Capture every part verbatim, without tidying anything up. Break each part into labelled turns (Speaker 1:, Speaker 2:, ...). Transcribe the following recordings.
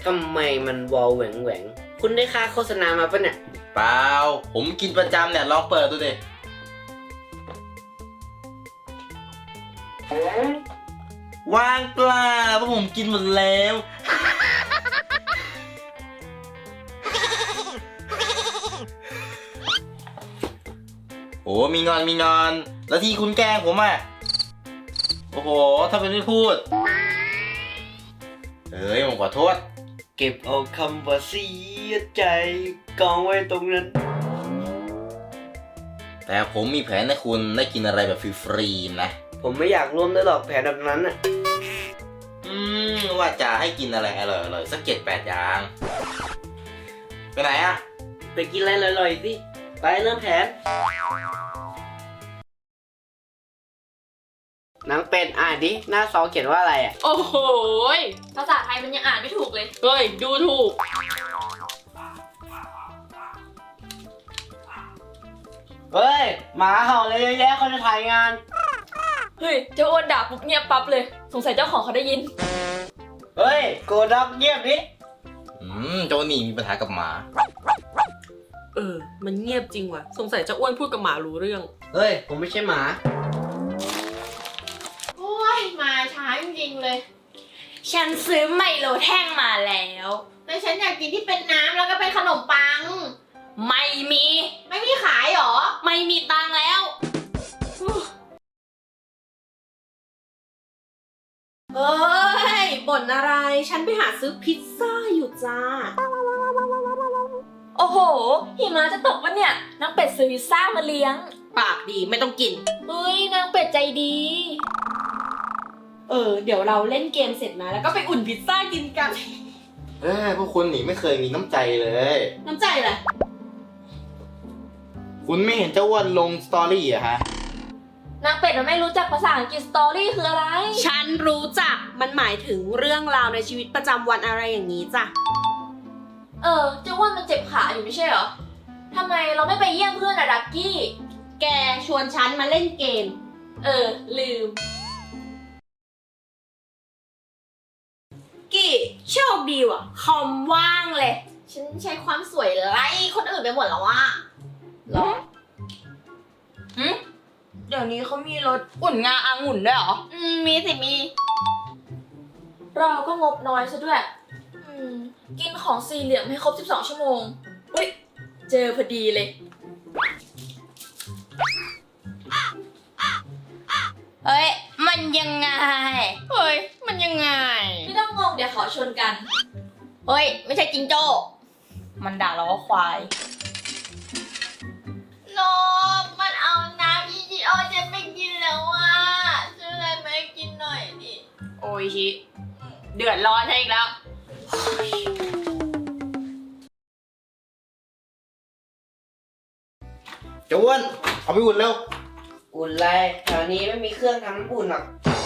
Speaker 1: ทำไมมันวอลแหวงแหวงคุณได้ค่าโฆษณามาปะเนี่ย
Speaker 2: เปล่าผมกินประจำเนี่ยลองเปิดดูดิว่างเปล่าเพราะผมกินหมดแล้วโอ้มีงอนมีงอนแล้วที่คุณแกล้งผมอ่ะโอ้โหถ้าเป็นไม่พูดเฮ้ยผมขอโทษ
Speaker 1: เก็บเอาคำว่าเสียใจกองไว้ตรงนั้น
Speaker 2: แต่ผมมีแผนให้คุณได้กินอะไรแบบฟรีๆนะ
Speaker 1: ผมไม่อยากร่วมด้วยหรอกแผนแบบนั้นอ่ะ
Speaker 2: อืมว่าจะให้กินอะไรอร่อยๆสักเจ็ดแปดอย่างไปไหนอะ
Speaker 1: ไปกินอะไรอร่อยๆสิไปเริ่มแผนนางเป็ดอ่านดิหน้าซองเขียนว่าอะไรอ่ะ
Speaker 3: โอ้โหภาษาไทยมันยังอ่านไม่ถูกเลยเฮ้ยดูถูก
Speaker 1: เฮ้ยหมาเห่าเลยเยอะแยะเขาจะถ่ายงาน
Speaker 3: เฮ้ยเจ้าอ้วนด่าปุ๊บเงียบปั๊บเลยสงสัยเจ้าของเขาได้ยิน
Speaker 1: เฮ้ยโกดักเงียบดิ
Speaker 2: อืมโจนี่มีปัญหากับหมา
Speaker 4: เออมันเงียบจริงว่ะสงสัยเจ้าอ้วนพูดกับหมารู้เรื่อง
Speaker 1: เฮ้ยผมไม่ใช่หมา
Speaker 3: โอ้ยมาช้าจริงๆเลยฉันซื้อไมโลแท่งมาแล้วแต่ฉันอยากกินที่เป็นน้ำแล้วก็เป็นขนมปังไม่มีไม่มีขายหรอไม่มีตังแล้ว
Speaker 4: เอ้ยบ่นอะไรฉันไปหาซื้อพิซซ่าอยู่จ้า
Speaker 3: โอ้โหหิมะจะตกวะเนี่ยนางเป็ดซื้อพิซซ่ามาเลี้ยง
Speaker 4: ปากดีไม่ต้องกิน
Speaker 3: เฮ้ยนางเป็ดใจดีเออเดี๋ยวเราเล่นเกมเสร็จนะแล้วก็ไปอุ่นพิซซ่ากินกัน
Speaker 2: เอ้ยพวกคุณนี่ไม่เคยมีน้ำใจเลย
Speaker 4: น้ำใจอะไร
Speaker 2: คุณไม่เห็นเจ้าอ้วนลงสตอรี่อะฮะ
Speaker 3: นางเป็ดมันไม่รู้จักภาษาอังกฤษสตอรี่คืออะไร
Speaker 4: ฉันรู้จักมันหมายถึงเรื่องราวในชีวิตประจำวันอะไรอย่างนี้จ้ะ
Speaker 3: เออเจ้าอ้วนมันเจ็บขาอยู่ไม่ใช่เหรอทำไมเราไม่ไปเยี่ยมเพื่อนอะดักกี้
Speaker 4: แกชวนฉันมาเล่นเกม
Speaker 3: เออลืม
Speaker 4: กี้โชคดีว่ะคอมว่างเลย
Speaker 3: ฉันใช้ความสวยไล่คนอื่นไปหมดแล้วว่ะหรอหืมเดี๋ยวนี้เขามีรถอุ่นงาอางุ่นด้วยเหรออืมมีสิมีเราก็งบน้อยซะด้วยอืมกินของสี่เหลี่ยมให้ครบสิบสองชั่วโมงอุ๊ยเจอพอดีเลยเฮ้ยมันยังไงเฮ้ยมันยังไงไม่ต้องงงเดี๋ยวเขาชนกันเฮ้ยไม่ใช่จิงโจ้มันด่าเราว่าควายนมมันเอาน้ำอีจีโอจะไม่กินแล้วอ่ะซื้ออะไรมาให้กินหน่อยดิโอ้ยชิเดือดร้อนใช่อีกแล้ว
Speaker 2: เจ้าอ้วนเอาไปอุ่นเร็ว
Speaker 1: อุ่นไรแถวนี้ไม่มีเครื่องทำน้ำอุ่นหรอก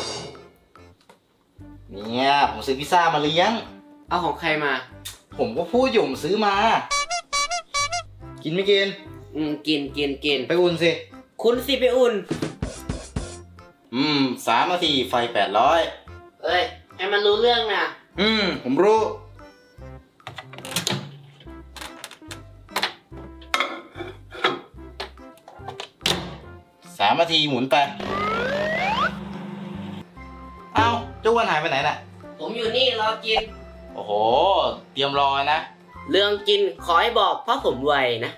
Speaker 2: เนี่ยผมซื้อพิซซ่ามาเลี้ยง
Speaker 1: เอาของใครมา
Speaker 2: ผมก็พูดอยู่ผมซื้อมากินไม่กิน
Speaker 1: อืมกินกินกิน
Speaker 2: ไปอุ่นสิ
Speaker 1: คุณสิไปอุ่น
Speaker 2: อืมสามนาทีไฟแปดร้อย
Speaker 1: เอ้ยให้มันรู้เรื่องนะ
Speaker 2: อืมผมรู้สามนาทีหมุนไปเอ้าเจ้าอ้วนหายไปไหนน่ะ
Speaker 1: ผมอยู่นี่รอกิน
Speaker 2: โอ้โหเตรียมรอนะ
Speaker 1: เรื่องกินขอให้บอกเพราะผมไวนะ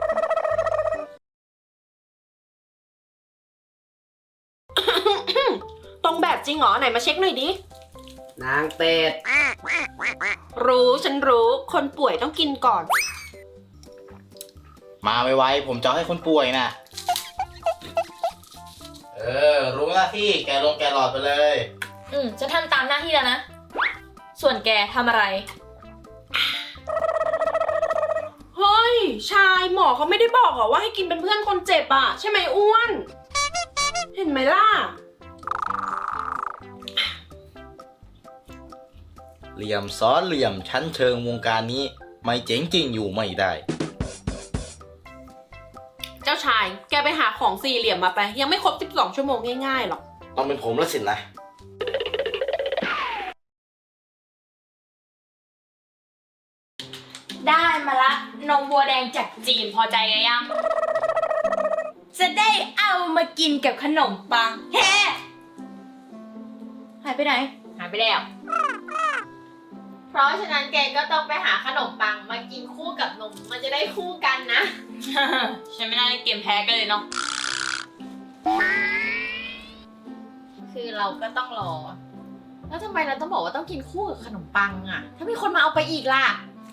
Speaker 4: ตรงแบบจริงเหรอไหนมาเช็คหน่อยดิ
Speaker 1: นางเป็ด
Speaker 4: รู้ฉันรู้คนป่วยต้องกินก่อน
Speaker 2: มาไวๆผมจะให้คนป่วยนะเออรู้หน้าที่แกลงแกหลอดไปเลย
Speaker 3: อืมฉันทำตามหน้าที่แล้วนะส่วนแกทำอะไร
Speaker 4: เฮ้ยชายหมอเขาไม่ได้บอกเหรอว่าให้กินเป็นเพื่อนคนเจ็บอ่ะใช่ไหมอ้วนเห็นไหมล่ะ
Speaker 2: เหลี่ยมซ้อนเหลี่ยมชั้นเชิงวงการนี้ไม่เจ๋งจริงอยู่ไม่ได้
Speaker 4: เจ้าชายแกไปหาของสี่เหลี่ยมมาไปยังไม่ครบสิบสองชั่วโมงง่ายๆหรอก
Speaker 2: ต้องเป็นผมแล้วสินะ
Speaker 3: ได้มาละนมวัวแดงจากจีนพอใจกันยัง จะได้เอามากินกับขนมปังเฮ้หายไปไหน หายไปแล้ว
Speaker 5: เพราะฉะนั้นแกก็ต้องไปหาขนมปังมากินคู่กับนม มันจะได้คู่กันนะ
Speaker 3: ฉันไม่น่าเล่นเกมแพ้กันเลยเนาะ
Speaker 5: คือเราก็ต้องรอ แล้วทำไมเราต้องบอกว่าต้องกินคู่กับขนมปังอะถ้ามีคนมาเอาไปอีกล่ะ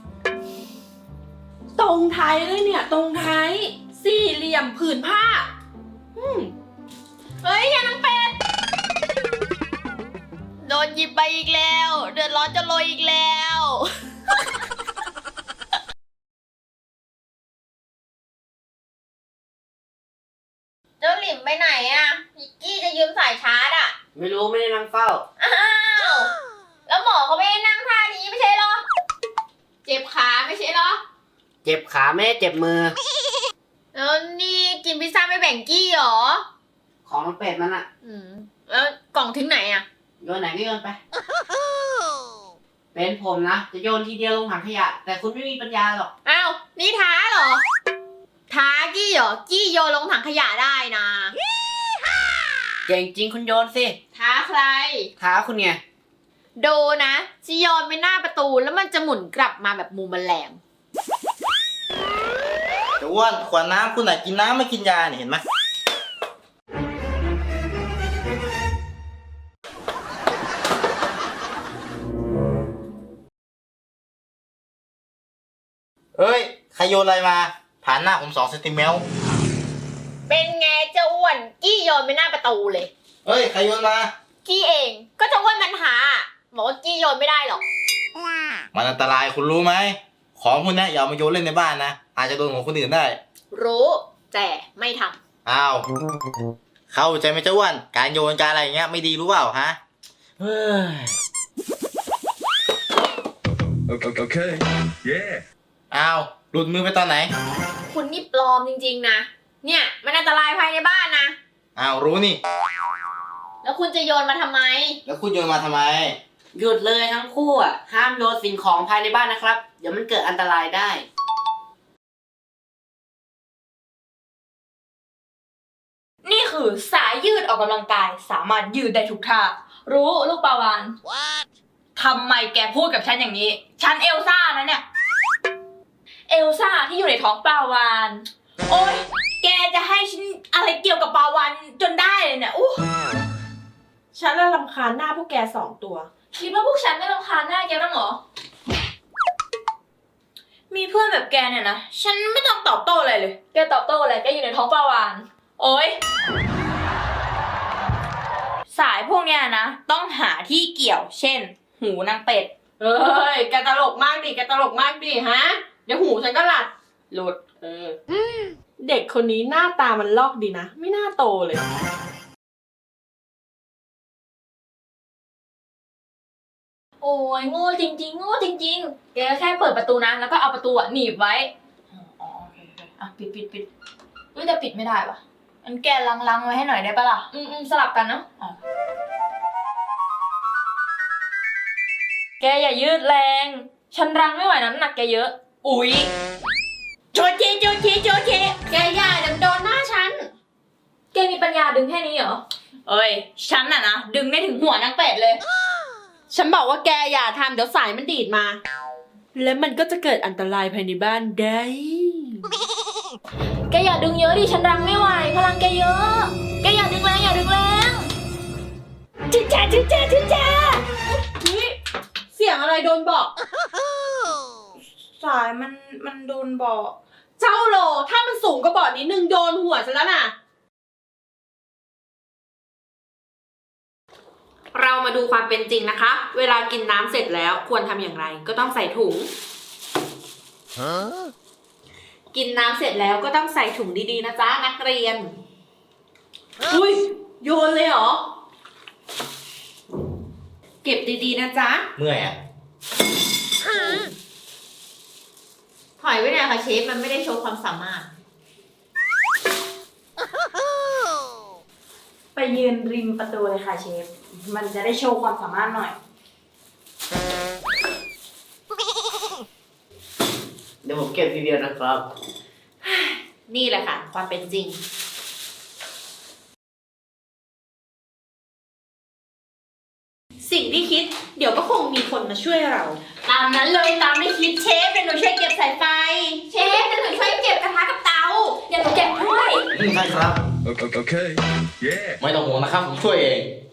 Speaker 4: ตรงไทยเลยเนี่ย ตรงไทย สี่เหลี่ยมผืนผ้า อืม
Speaker 5: เฮ้ยยานังเป็ด โดนหยิบไปอีกแล้ว เดือดร้อนจะโรยอีกแล้ว เจ้าหลิมไปไหนอะนิกกี้จะยืมสายชาร์จอะ
Speaker 1: ไม่รู้ไม่ได้นั่งเฝ้า
Speaker 5: อ้าว แล้วหมอเขาไม่ได้นั่งท่านี้ไม่ใช่เหรอ เจ็บขาไม่ใช่เหรอ
Speaker 1: เจ็บขาไม่ได้เจ็บมือ
Speaker 5: แล้วนี่กินพิซซ่าไม่แบ่งกี้เหรอ
Speaker 1: ของน้องเป็ดมันอะ
Speaker 5: อืม แล้วกล่องถึงไหนอะ
Speaker 1: โยนไหนก็โยนไป เป็นผมนะ จะโยนทีเดียวลงถังขยะ แต่คุณไม่มีปัญญาหรอก
Speaker 5: อ้าว นี่ท้าเหรอ ท้ากี้เหรอ กี้โยนลงถังขยะได้นะ
Speaker 1: เก่งจริงคุณโยนสิ
Speaker 5: ท้าใคร
Speaker 1: ท้าคุณไง
Speaker 5: ดูนะจะโยนไปหน้าประตูแล้วมันจะหมุนกลับมาแบบมุมแมลง
Speaker 2: จะอ้วนขวดน้ำคุณไหนกินน้ำไม่กินยาเนี่ยเห็นไหมเอ้ยใครโยนอะไรมา ผ่านหน้าผมสองเซนติเมตร
Speaker 5: เป็นไงเจ้าอ้วน กี้โยนไปหน้าประตูเลย
Speaker 2: เอ้ยใครโยนมา
Speaker 5: กี้เองก็เจะอ้วนมันหาบอกว่ากี้โยนไม่ได้หรอก
Speaker 2: มันอันตรายคุณรู้ไหม ของคุณนะอย่าเอามาโยนเล่นในบ้านนะ อาจจะโดนของคนอื่นได้
Speaker 5: รู้แต่ไม่ทำ
Speaker 2: อ้าว เข้าใจไหมเจ้าอ้วน การโยนการอะไรอย่างเงี้ยไม่ดีรู้เปล่าฮะ เฮ้ย
Speaker 6: Okay, okay. Yeah.
Speaker 2: อ้าว หลุดมือไปตอนไหน
Speaker 5: คุณนี่ปลอมจริงๆนะ เนี่ยมันอันตรายภายในบ้านนะ
Speaker 2: อ้าวรู้นี่
Speaker 5: แล้วคุณจะโยนมาทำไม
Speaker 2: แล้วคุณโยนมาทำไม
Speaker 1: หยุดเลยทั้งคู่อ่ะ ห้ามโยนสิ่งของภายในบ้านนะครับ เดี๋ยวมันเกิดอันตรายได้
Speaker 3: นี่คือสายยืดออกกำลังกายสามารถยืดได้ทุกท่า รู้ลูกปลาวานทำไมแกพูดกับฉันอย่างนี้ ฉันเอลซ่านะเนี่ย เอลซ่าที่อยู่ในท้องปลาวาน โอ๊ย แกจะให้ฉันอะไรเกี่ยวกับปลาวานจนได้เลยเนี่ยอู้
Speaker 4: ฉันละรำคาญหน้าพวกแกสองตัว
Speaker 3: คิดว่าพวกฉันไม่รำคาญหน้าแกบ้างเหรอ มีเพื่อนแบบแกเนี่ยนะ ฉันไม่ต้องตอบโต้อะไรเลย แกตอบโต้อะไร แกอยู่ในท้องปลาวาน โอ๊ย สายพวกเนี้ยนะ ต้องหาที่เกี่ยว เช่น หูนางเป็ด
Speaker 4: เอ้ย แกตลกมากดิ แกตลกมากดิฮะ เดี๋ยวหูฉันก็หลัด
Speaker 3: หลุด
Speaker 4: เออ เด็กคนนี้หน้าตามันลอกดีนะ ไม่น่าโตเลย
Speaker 3: โอ้ยโง่จริงๆโง่จริงๆ แกแค่เปิดประตูนะ แล้วก็เอาประตูอะหนีบไว้ อ๋อโอเคโอเคอ่ะปิดปิดปิดเฮ้ยแต่ปิดไม่ได้ว่ะงั้นแกลังๆไว้ให้หน่อยได้ปะล่ะ อืมอืมสลับกันเนาะอ่ะแกอย่ายืดแรง ฉันรังไม่ไหวน้ำหนักแกเยอะ อุ๊ยโจเจโจเจโจเจ
Speaker 4: แกอย่าเดี๋ยวมันโดนหน้าฉัน
Speaker 3: แกมีปัญญาดึงแค่นี้เหรอ เอ้ย ฉันน่ะนะ ดึงได้ถึงหัวนางเป็ดเลย
Speaker 4: ฉันบอกว่าแกอย่าทำเดี๋ยวสายมันดีดมา แล้วมันก็จะเกิดอันตรายภายในบ้านได้
Speaker 3: แกอย่าดึงเยอะดิ ฉันรังไม่ไหวพลังแกเยอะ แกอย่าดึงแรงอย่าดึงแรงจิ๊จ้าจิ๊จ้าจิ๊จ้า
Speaker 4: นี่เสียงอะไรโดนบอก
Speaker 3: สายมันมันโดนบอก
Speaker 4: เจ้าโล ถ้ามันสูงกว่าบอร์ดนิดนึงโดนหัวฉันแล้วน่ะ เรามาดูความเป็นจริงนะคะ เวลากินน้ำเสร็จแล้วควรทำอย่างไร ก็ต้องใส่ถุง กินน้ำเสร็จแล้วก็ต้องใส่ถุงดีๆนะจ๊ะนักเรียน อุ้ยโยนเลยเหรอ เก็บดีๆนะจ๊ะ
Speaker 2: เมื่อยอ่ะ
Speaker 5: ถอยไว้หน่อยค่ะเชฟ มันไม่ได้โชว์ความสามารถ
Speaker 3: ไปยืนริมประตูเลยค่ะเชฟ มันจะได้โชว์ความสามารถหน่อย
Speaker 1: เดี๋ยวผมเก็บทีเดียวนะครับ
Speaker 3: นี่แหละค่ะ ความเป็นจริง
Speaker 4: สิ่งที่คิด เดี๋ยวก็คงมีคนมาช่วยเรา
Speaker 3: ตามนั้นเลยตามไม่คิดเชฟเดี๋ยวหนูช่วยเก็บสายไฟ เชฟเดี๋ยวหนูช่วยเก็บกระทะกับเตาเดี๋ยวหนูเก็บด้วย
Speaker 2: อืมใช่ครับ
Speaker 6: O- o- Okay. Yeah.
Speaker 2: ไม่ต้องห่วงนะครับ ผมช่วยเอง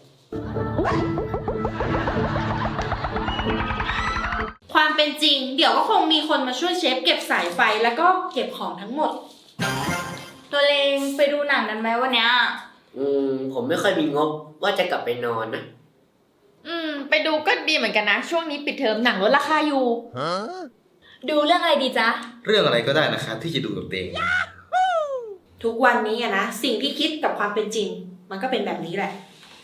Speaker 4: ความเป็นจริง เดี๋ยวก็คงมีคนมาช่วยเชฟเก็บสายไฟแล้วก็เก็บของทั้งหมด
Speaker 3: ตัวเลงไปดูหนังกันไหมวันเนี้ย
Speaker 1: อืม ผมไม่ค่อยมีงบว่าจะกลับไปนอนนะ
Speaker 5: อืม ไปดูก็ดีเหมือนกันนะ ช่วงนี้ปิดเทอมหนังลดราคาอยู่
Speaker 3: ดูเรื่องอะไรดีจ๊ะ
Speaker 2: เรื่องอะไรก็ได้นะครับที่จะดูกับเตง
Speaker 4: ทุกวันนี้อะนะสิ่งที่คิดกับความเป็นจริง มันก็เป็นแบบนี้แหละ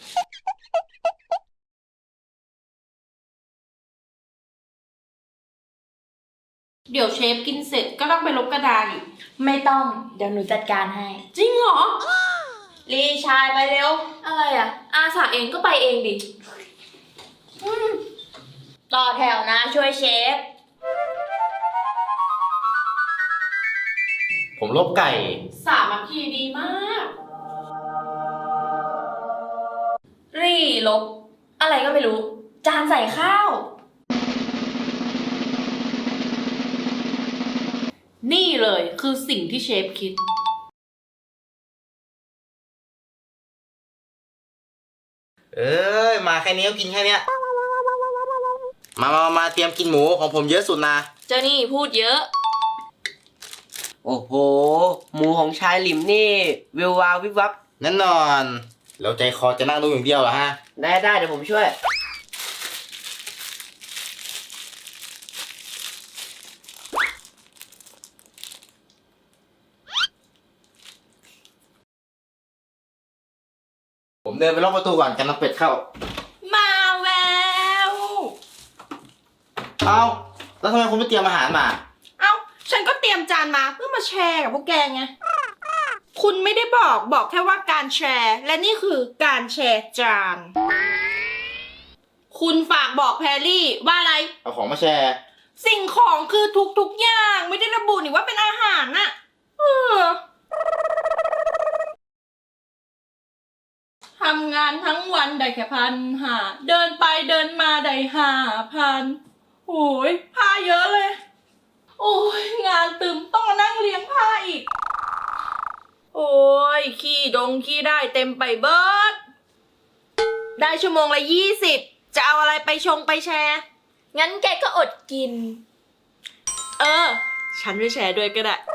Speaker 4: เดี๋ยวเชฟกินเสร็จก็ต้องไปลบกระดาษอีก
Speaker 3: ไม่ต้องเดี๋ยวหนูจัดการให้
Speaker 4: จริงเหรอ
Speaker 3: รีชายไปเร็ว อะไรอ่ะ อาสาเองก็ไปเองดิอืมต่อแถวนะช่วยเชฟ
Speaker 2: ผมลบไก่
Speaker 4: สามัคคีดีมาก
Speaker 3: รีลบ อะไรก็ไม่รู้ จานใส่ข้าว
Speaker 4: นี่เลยคือสิ่งที่เชฟคิด
Speaker 2: เอ้ย มาแค่นี้ก็กินแค่เนี้ย มามามาเตรียมกินหมูของผมเยอะสุดนะ
Speaker 3: เจ้านี่พูดเยอะ
Speaker 1: โอ้โห หมูของชายหลิมนี่วิววาววิบวับ
Speaker 2: แน่นอน แล้วใจคอจะนั่งดูอย่างเดียวเหรอฮะ
Speaker 1: ได้ได้เดี๋ยวผมช่วย
Speaker 2: ผมเดินไปล็อกประตูก่อนกันน้ำเป็ดเข้า
Speaker 4: มาแวว
Speaker 2: เอ้า แล้วทำไมคุณไม่เตรียมอาหารมา
Speaker 4: เอ้า ฉันก็เตรียมจานมาเพื่อมาแชร์กับพวกแกไง คุณไม่ได้บอกบอกแค่ว่าการแชร์ และนี่คือการแชร์จาน คุณฝากบอกแพรรี่ว่าอะไร
Speaker 2: เอาของมาแชร์
Speaker 4: สิ่งของคือทุกๆอย่างไม่ได้ระบุนี่ว่าเป็นอาหารน่ะเออทำงานทั้งวันได้แค่พันห้าเดินไปเดินมาได้ห้าพันโอ้ยผ้าเยอะเลย โอ้ยงานตึมต้องมานั่งเลี้ยงผ้าอีก โอ้ยขี้ดงขี้ได้เต็มไปเบิดได้ชั่วโมงละยี่สิบจะเอาอะไรไปชงไปแชร์
Speaker 3: งั้นแกก็อดกิน
Speaker 4: เออ ฉันไปแชร์ด้วยก็ได้